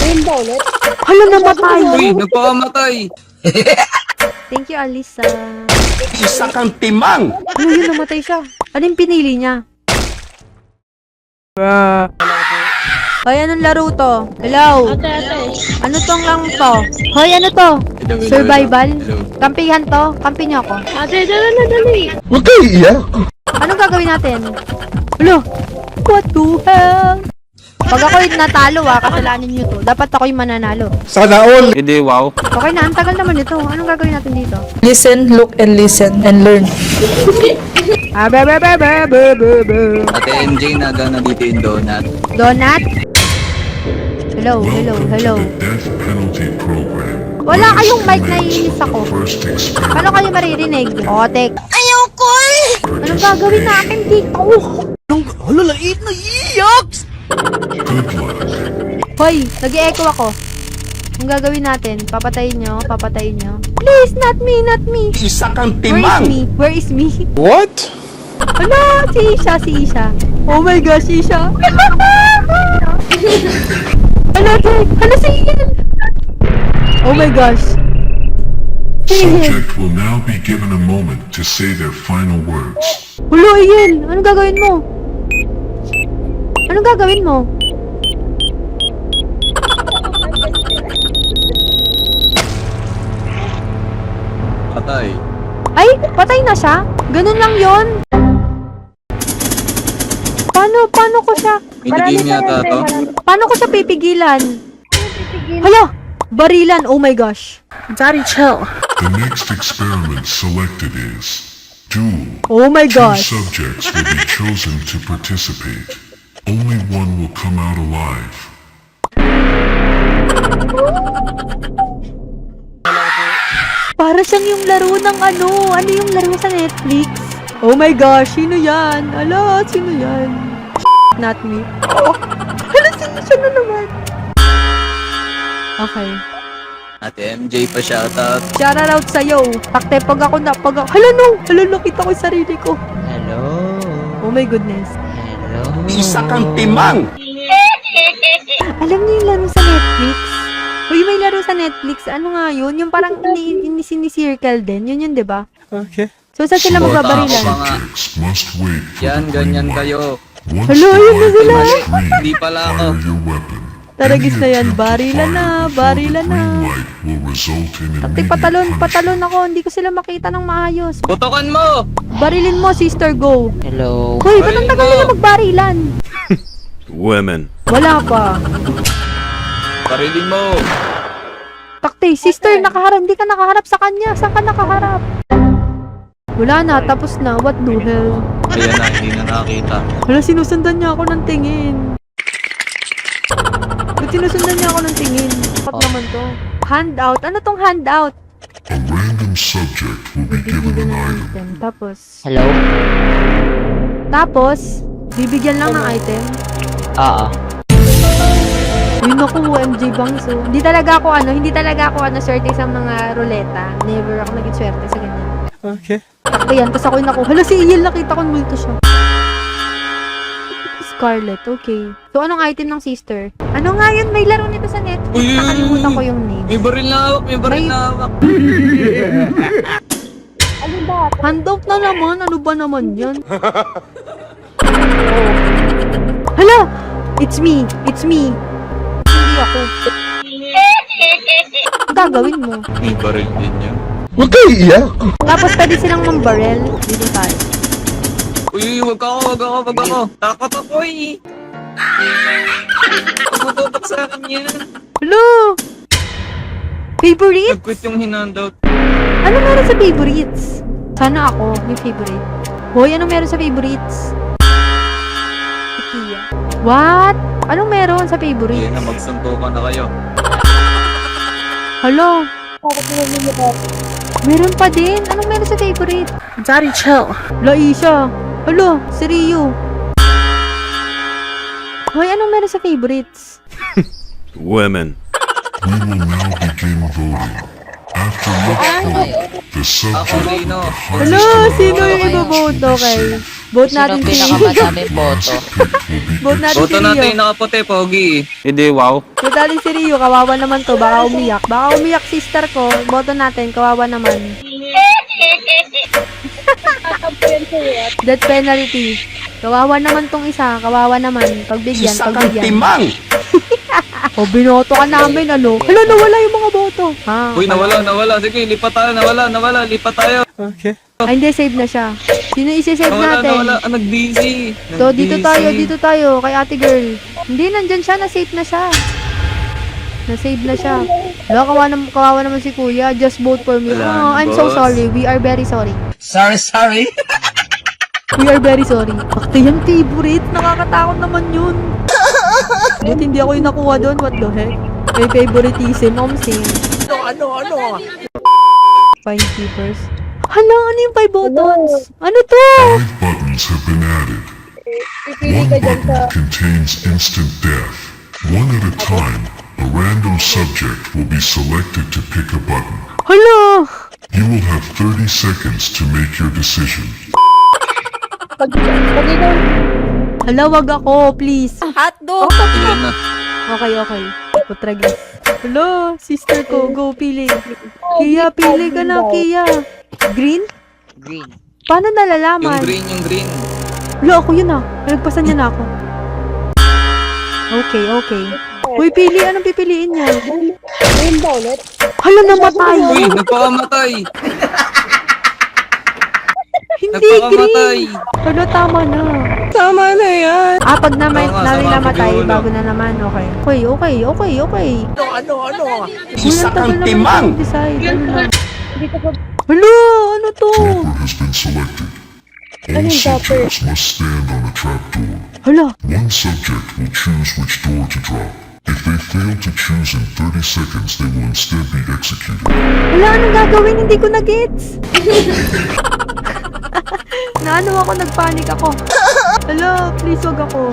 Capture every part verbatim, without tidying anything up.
Ayun ba ulit? Hala, namatay! Uy, nagpakamatay! Thank you, Alisa. Isa kang timang! Ano yun, namatay siya? Ano yung pinili niya? Hoy, anong laro to? Hello? Ate, ate. Ano tong lang to? Hoy, ano to? Hello, hello, Survival? hello. Kampihan to? Kampi niyo ako. Ate, dala na, dali. Huwag kayo iiyak! Anong gagawin natin? Hello? What the hell? Pag ako yung natalo ah, kasalanan nyo to. Dapat ako yung mananalo. Sana all! Hindi, wow. Okay na, ang tagal naman ito. Anong gagawin natin dito? Listen, look, and listen, and learn. Ah, be, be, be, be, be, be, be. Ate M J, naga na dito yung donut. Donut? Hello, hello, hello. Death penalty program. Wala kayong mic, naiinis ako. First experiment. Paano kayo maririnig? Otek. Ayoko eh! Anong gagawin natin dito? Good luck. Hoy, nag-e-echo ako. Anong gagawin natin? Papatayin nyo? Papatayin nyo? Please, not me, not me! Isa kang Where is timang! me? Where is me? What? Ala, si Isha, si Isha. Oh my gosh, Isha. Ala, Tek. Ala, si Ian. Oh my gosh. Si Ian. Subject will now be given a moment to say their final words. Hulo, Ian. Anong gagawin mo? Anong gagawin mo? Patay. Ay, patay na siya? Ganun lang yon. Paano, paano ko siya? Minigame yata to. Paano ko siya pipigilan? Hala! Barilan, oh my gosh. Daddy, chill. The next experiment selected is duel. Oh my Two gosh. subjects will be chosen to participate. Only one will come out alive. Para siyang yung laro ng ano. Ano yung laro sa Netflix? Oh my gosh, sino yan? Ala, sino yan? Not me. Oh, hala, sino siya na naman? Okay. Ate M J pa shoutout. Shout out sa'yo. Takte, pag ako na, pag ako, hala no! Hala, nakita ko yung sarili ko. Hello. Oh my goodness. Hello. Isa kang timang! Alam niyo yung laro sa Netflix? Uy, may laro sa Netflix. Ano nga yun? Yung parang ini- ini- sinicircle din. Yun yun, di ba? Okay. So, saan sila Bota ako magbabarilan? pa nga. Subjects must wait for Yan, the green ganyan light. kayo. Once Hello, the yun na light sila. is green, Hindi pala ako. fire your weapon. Taragis Any na yan. attempt to Barilan na, fire before barilan the na. green light will result in Taktik, immediate patalon, punishment. patalon ako. Hindi ko sila makita ng maayos. Putokan mo! Barilin mo, sister, go. Hello. Hoy, ba't ang tagal nila magbarilan? Women. Wala pa. Parilin mo! Takte, sister, nakaharap. Hindi ka nakaharap sa kanya. Saan ka nakaharap? Wala na, tapos na. What the hell? Ayan na, hindi na nakakita. Wala, sinusundan niya ako ng tingin. Ba't sinusundan niya ako ng tingin? Bakit naman to? Handout? Ano tong handout? A random subject will be given an item. Item. Tapos, Hello? tapos, bibigyan lang ng item. Oo. Yun ako, O M G bangs. So, hindi talaga ako ano, hindi talaga ako ano, swerte sa mga ruleta. Never ako naging swerte sa ganyan. Okay. Takto yan, tapos ako yung naku. Hala, si Ian, nakita ko multo siya. Scarlet, okay. So, anong item ng sister? Ano nga yun? May laro nito sa Netflix. Uy, uy, uy, Nakalimutan uy. ko yung name. May baril na hawak, may baril May- na hawak. Handout na naman? Ano ba naman yan? Hala! It's me! It's me! Hindi ako. Ang gagawin mo? May baril din yun. Huwag kayo iiyak! Tapos pwede silang mambarel. Dito tayo. Uy, uy, wag ako, wag ako, wag ako. Takot ako eh. Tumututok sa akin yan. Hello! Favorite? Nag-quit yung hinandout. Ano meron sa favorites? Sana ako, may favorite. Hoy, anong meron sa favorites? Ikea. What? Anong meron sa Hindi favorites? na, magsuntukan na kayo. Hello? Meron pa din? Anong meron sa favorite? Daddy, chill. Laisha. Hello, si Ryu. Hoy, anong meron sa favorites? Women. We will now begin voting. After looking, the Ako, subject Rino. Hello, sino yung ibo-vote? Okay. Vote Sino natin si pinakamadaming boto? Vote natin Boto si natin Rio. yung nakaputi, Pogi. Hindi, wow. Vote natin si Rio. Kawawa naman to. Baka umiyak. Baka umiyak sister ko. Boto natin. Kawawa naman. Death penalty. Kawawa naman tong isa. Kawawa naman. Pagbigyan. Isa kang Pagbigyan. timang. O, binoto ka namin, ano? Hala, nawala yung mga boto. Ha? Uy, nawala, nawala. Sige, lipat tayo, nawala, nawala, lipat tayo. Ay, hindi. Save na siya. Sino isi-save Nawala, natin? nawala. Ah, nag-busy. So, dito Nag-busy. tayo, dito tayo, kay ate girl. Hindi, nandyan siya, na-save na siya. Na-save na siya. Wala, kawawa, nam- kawawa naman si kuya. Just vote for me. Wala Oh, na, I'm so boss. sorry. We are very sorry. Sorry, sorry. We are very sorry. Bakit yan, favorite? Nakakatakot naman yun. Buti hindi ako yung nakuha doon. What the heck? May favoritism. Om sing. Ano, ano, ano? Five keepers. Hala, ano yung five buttons? Ano to? five buttons have been added. One button contains instant death. One at a time, a random subject will be selected to pick a button. Hala! You will have thirty seconds to make your decision. Hala, wag ako, please. Hotdog! Ayan na. Okay, okay. Putragis. Hello, sister ko. Go, pili. Kia, pili ka na, Kia. Green? Green. Paano Yung nalalaman? green, yung green. Wala, ako yun ah. Nagpasan niya na ako. Okay, okay. Uy, pili. Anong pipiliin niya? Hala, namatay. Uy, nagpakamatay. Hindi Nagpakamatay. green. Hala, tama na. Tama na yan. Ah, pag naman, Oo nga, namin sama namatay, ko yun, bago na naman. Okay. Okay, okay, okay, okay. Ano, ano? Uy, Isa ang tagal kang naman timang. mag-decide. Ano na? Hala, ano to? Trapper has been selected. All subjects must stand on a trapdoor. Hala, One subject will choose which door to drop. If they fail to choose in thirty seconds, they will instead be executed. Wala, anong gagawin? Hindi ko na-gets. Naano ako, nagpanik ako. Hala, please wag ako.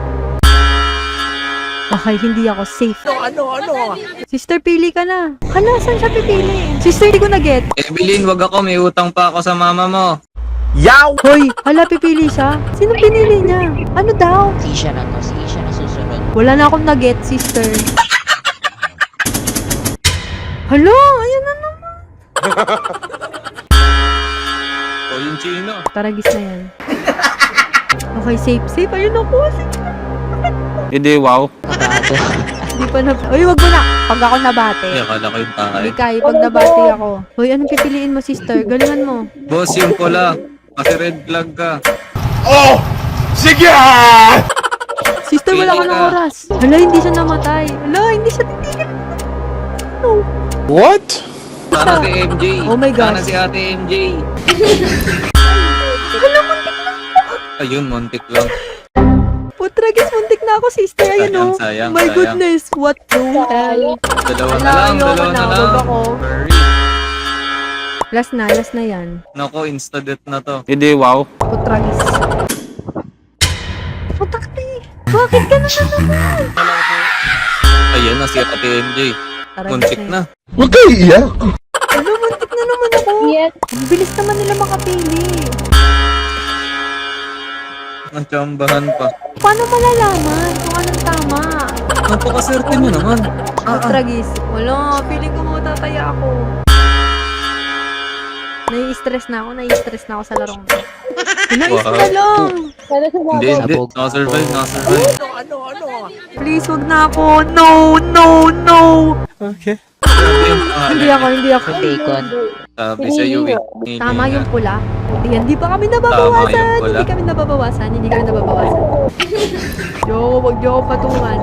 Okay, hindi ako safe. Ano, ano? Sister, pili ka na. Hala, saan siya pipili? Sister, hindi ko na-get. Evelyn, wag ako. May utang pa ako sa mama mo. Yaw! Hoy, hala, pipili siya. Sino pinili niya? Ano daw? Si siya na to. Si siya na susunod. Wala na akong na-get, sister. Hala, ayun na naman. O, yung chino. Taragis na yan. Okay, safe, safe. Ayun ako. Safe. Hindi, wow. Kabado. Hindi pa na... Uy, wag mo na. Pag ako nabate. Ay, akala ko yung tayo. Hindi kaya, pag nabati ako. Hoy, anong pipiliin mo, sister? Galingan mo. Boss, yung pula. Kasi red flag ka. Oh! Sige! ah! Sister, wala ka ng oras. Hala, hindi siya namatay. Hala, hindi siya titigil. No. What? Sana si M J. Oh my gosh. Sana si ate M J. Hala, muntik na. Ayun, muntik lang. Putragis, muntik na ako, sister. Ayun, Sayang, oh. sayang, My sayang. goodness, what the hell? Dalawa na Wala, lang, ayoko dalawa na, na wag lang. ako. Hurry. Last na, last na yan. Nako, insta-death na to. Hindi, wow. Putragis. Putakti. Bakit ka na Have been added. Ayan na si ate M J. Taragis Muntik yan. na. Huwag kayo iyak. Ano, muntik na naman ako. Ang bilis naman nila makapili. Ang tsambahan pa. Paano malalaman kung anong tama? Napakaswerte mo naman. Ah, ah. Putragis. Wala, feeling ko matataya ako. Nai-stress na ako, nai-stress na ako sa larong to. Nais Wow. na lang. Hindi, hindi. Sabog. Nakasurvive, nakasurvive. Ano, ano? Please, wag na ako. No, no, no. Okay. Hindi ako, hindi ako. Bacon. Sabi sa iyo eh. Tama yung pula. Yan, di pa kami Tama nababawasan. yung pula. Hindi kami nababawasan. Hindi kami nababawasan. Yo, wag niyo ako patungan.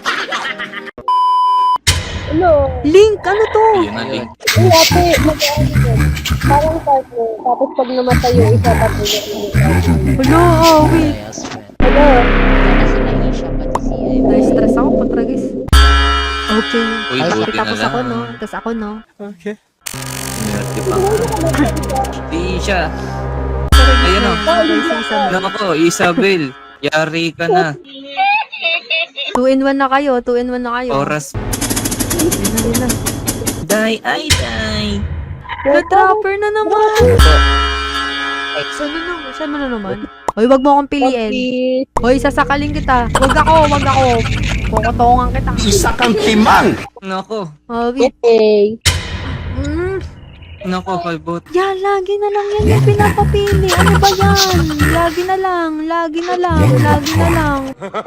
Link, ano to? Ayan na, link. Two subjects will be linked together. Tapos pag namatay yung isa, tapos The other will be Hello, oh, wait. Yes, man. Wala na sila Isha, pati si Ay. Na-stress ako, putragis. Okay. Uy, Ay, buti na tapos lang. ako, no? Tapos ako, no? Okay. Di ba? Di siya. Putragis Ayun, na. oh. Okay, si Isabel. Nako, Isabel. Yari ka na. Two in one na kayo, two in one na kayo. Oras. Yun na, yun na. Die, ay, die. Na-trapper na naman. Saan na naman? Saan mo na naman? Hoy, wag mo akong piliin. Please. Hoy, sasakalin kita. Wag ako, wag ako. Kukutongan kita. Isa kang timang! Nako. Oh, wait. Okay. Mm. Nako, kalbot. Yan, lagi na lang yan yung pinapapili. Ano ba yan? Lagi na lang, lagi na lang, lagi na lang.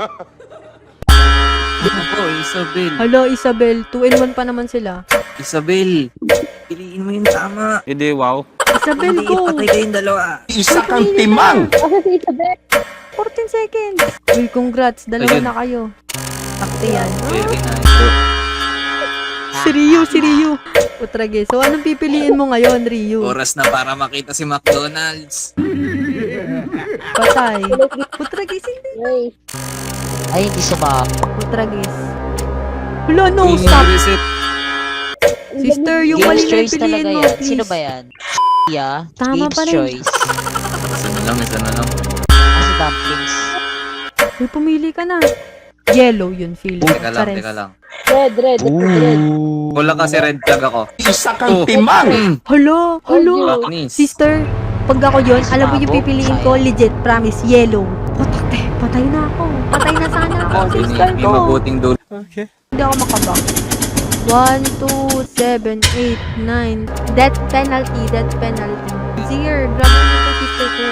Nako, Isabel. Hello, Isabel. two in one pa naman sila. Isabel. Piliin mo yung tama. Hindi, wow. Isabel, Hindi, go! patay kayong dalawa. Isa kang timang! Asa si Isabel? fourteen seconds. Uy, congrats. Dalawa Ayun. na kayo. Takti yan. Very nice. Si Ryu, si Ryu. Putrage. So, anong pipiliin mo ngayon, Ryu? Oras na para makita si McDonald's. Patay. Putrage, hindi. Ay. Ay, hindi sumama. Putrage. Wala, no, Hindi stop. reset. Sister, yung mali Game's na choice piliin talaga mo, yan. please. Sino ba yan? Yeah. Tama Game's pa rin. choice. Isa na lang, isa na lang. Kasi dumplings. Uy, pumili ka na. Yellow yun, feeling. Teka lang, Pares. teka lang. Red, red, red. Wala kasi red flag ako. Isa kang Oh. timang! Mm. Hello, hello. Baknis. Sister, pag ako yun, alam mo yung Sabo, pipiliin ko, sayang. legit, promise, yellow. Putakte, patay na ako. Patay na sana ako, Sabi ni sister may ko. mabuting dulo. Okay. Hindi ako makabak. one, two, seven, eight, nine. Death penalty, death penalty. Zir, grabe mo ito, sister ko.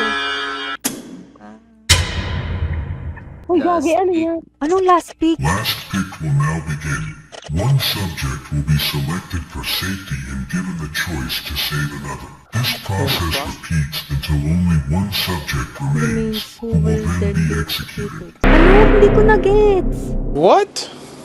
Uy, gagi, ano yan? Anong last pick? Last pick will now begin. One subject will be selected for safety and given the choice to save another. This process repeats until only one subject remains, who will then be executed. Ano? Hindi ko na-gets. What?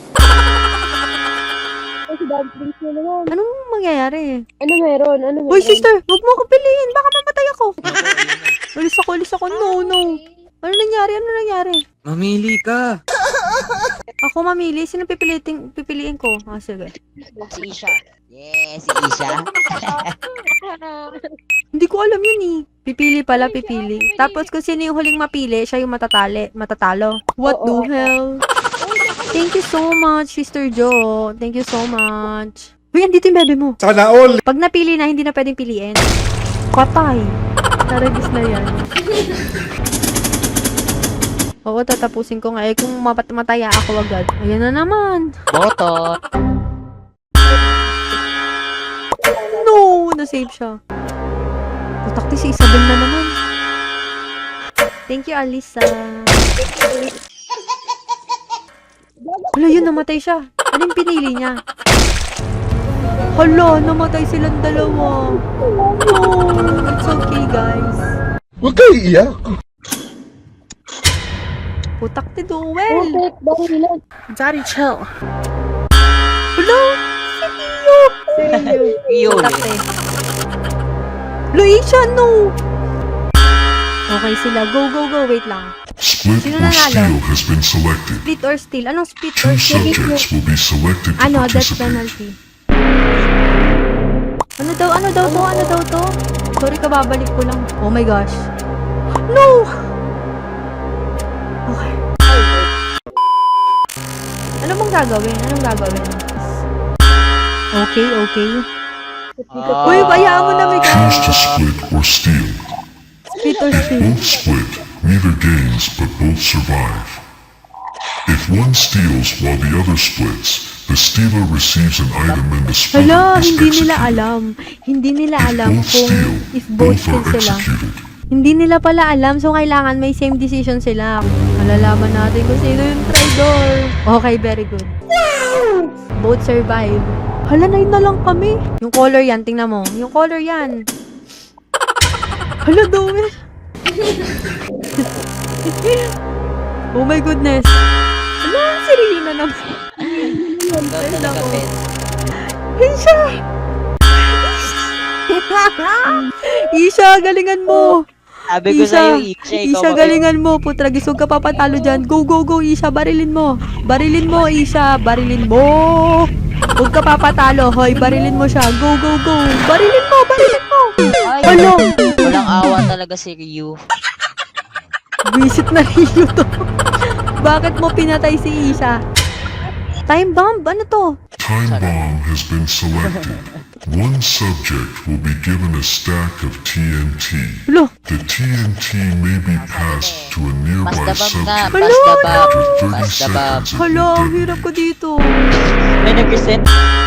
Ay, si dumplings na naman. Anong mangyayari? Ano meron? Ano meron? Uy, sister, wag mo akong piliin. Baka mamatay ako. Alis ako, alis ako. No, no. Ano nangyari? Ano nangyari? Mamili ka. Ako mamili. Sino pipiliin, pipiliin ko? Ah, sige. Si Isha. Yes, si Isha. Hindi ko alam yun eh. Pipili pala, pipili. Tapos kung sino yung huling mapili, siya yung matatali, matatalo. What the hell? Thank you so much, Sister Jo. Thank you so much. Uy, andito yung bebe mo. Sana all! Pag napili na, hindi na pwedeng piliin. Patay. Naragis na yan. Oo, tatapusin ko nga. Eh, kung mapat mataya ako agad. Ayan na naman. Boto. No! Na-save siya. Putakti si Isabel na naman. Thank you, Alisa. Hala, yun, namatay siya. Anong pinili niya? Hala, namatay silang dalawa. No! It's okay, guys. Huwag kayo iiyak! Putakti, Duel. Bakit? Bakit ilan? Daddy, chill. Hala! Si Rio! Si Rio. Rio, Putakti. Luisha, no! Okay sila. Go, go, go. Wait lang. Split Sino or nanalo? steal has been selected. Split or steal? Anong split Two or steal? subjects will be selected to Ano, death participate. penalty. Ano daw, ano daw to, ano daw to? Sorry ka, babalik ko lang. Oh my gosh. No! Okay. Ano mong gagawin? Anong gagawin? Okay, okay. Uy, bayaan mo na may Choose guys. to split or steal. Split or steal. Both split, neither gains, but both survive. If one steals while the other splits, the stealer receives an item and the splitter Hala, is hindi nila executed. alam. Hindi nila If alam both kung steal, if both both steal are sila. executed. Hindi nila pala alam, so kailangan may same decision sila. Malalaman natin kung sino yung traitor. Okay, very good. Both survive. Hala, nine na lang kami. Yung color yan, tingnan mo. Yung color yan. Hala, Dome. Oh my goodness. Hala, si Rio na naman. Ikaw talaga, Ben. Isha! Isha, galingan mo! Sabi ko sa'yo, Isha, ikaw Isha, ba- galingan mo. Putra, gisog ka papatalo dyan. Go, go, go, Isha. Barilin mo. Barilin mo, Isha. Barilin mo. Huwag ka papatalo. Hoy, barilin mo siya. Go, go, go. Barilin mo, barilin mo. Ay, Ano? walang awa talaga si Ryu. Visit na Rio to. Bakit mo pinatay si Isha? Time bomb? Ano to? Time bomb has been selected. One subject will be given a stack of T N T. Alo, The T N T may be passed to a nearby Mas dabab na. subject Mas dabab. after thirty Mas dabab. seconds of hala, ang endeavor. hirap ko dito. May nag-reset.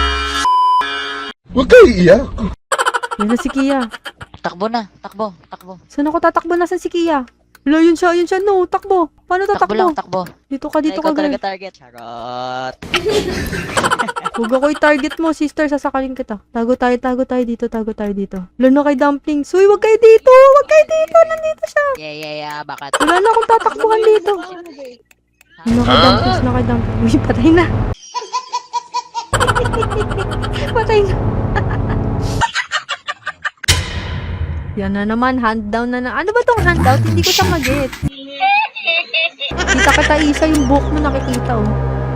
Huwag kayo iiyak. Yan na si Kia. Takbo na. Takbo. Takbo. Saan ako tatakbo? Nasaan si Kia? Hala, yun siya, yun siya. No, takbo. Paano Takbo lang. tatakbo? Takbo. Dito ka, dito Ikaw ka, talaga girl. target. Charot. Huwag ako i-target mo, sister. Sasakalin kita. Tago tayo, tago tayo dito, tago tayo dito. Lalo kay Dumplings. Uy, wag kayo dito. Wag kayo dito. Nandito siya. Yeah, yeah, yeah. Bakit? Wala na akong tatakbuhan dito. Ano kay Dumplings? Ano kay Dumplings? Uy, patay na. Patay na. Yan na naman, hand down na na. Ano ba tong hand out? Hindi ko siya mag-get. Kita kita isa yung book mo nakikita oh.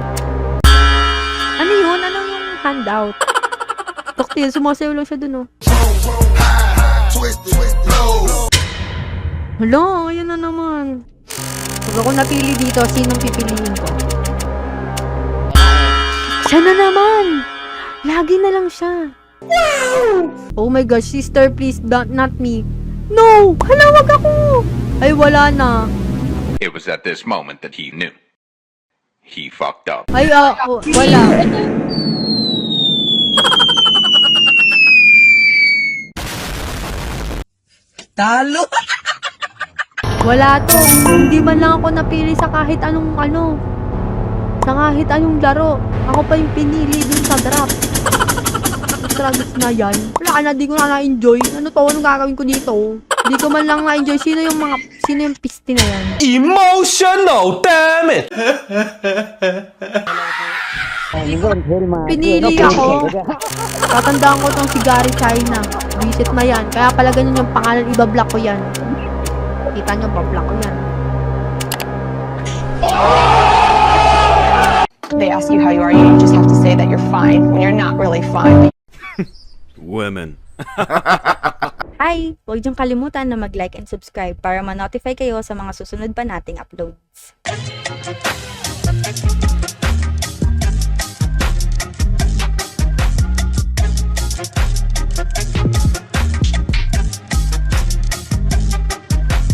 Ano yun? Ano yung handout? Doktil, sumasayaw lang siya dun oh. Hala, ayun na naman. Pag ako napili dito, sinong pipiliin ko? Siya na naman! Lagi na lang siya. Oh my gosh, sister, please, don't, not me. No! Hala, wag ako! Ay, wala na. It was at this moment that he knew. He fucked up. Ay, ah, oh, wala. Talo! Wala to. Hindi man lang ako napili sa kahit anong ano. Sa kahit anong laro. Ako pa yung pinili dun sa draft. Travis na yan. Wala ka na, di ko na na-enjoy. Ano to? Anong gagawin ko dito? Di ko man lang na-enjoy. Sino yung mga, sino yung piste na yan? Emotional, damn it! Pinili ako. Tatandaan ko tong si Gary China. Visit na yan. Kaya pala ganyan yung pangalan. Iba-block ko yan. Kita nyo, ba-block ko yan. They ask you how you are, you just have to say that you're fine when you're not really fine. Women. Hi! Huwag niyong kalimutan na mag-like and subscribe para ma-notify kayo sa mga susunod pa nating uploads.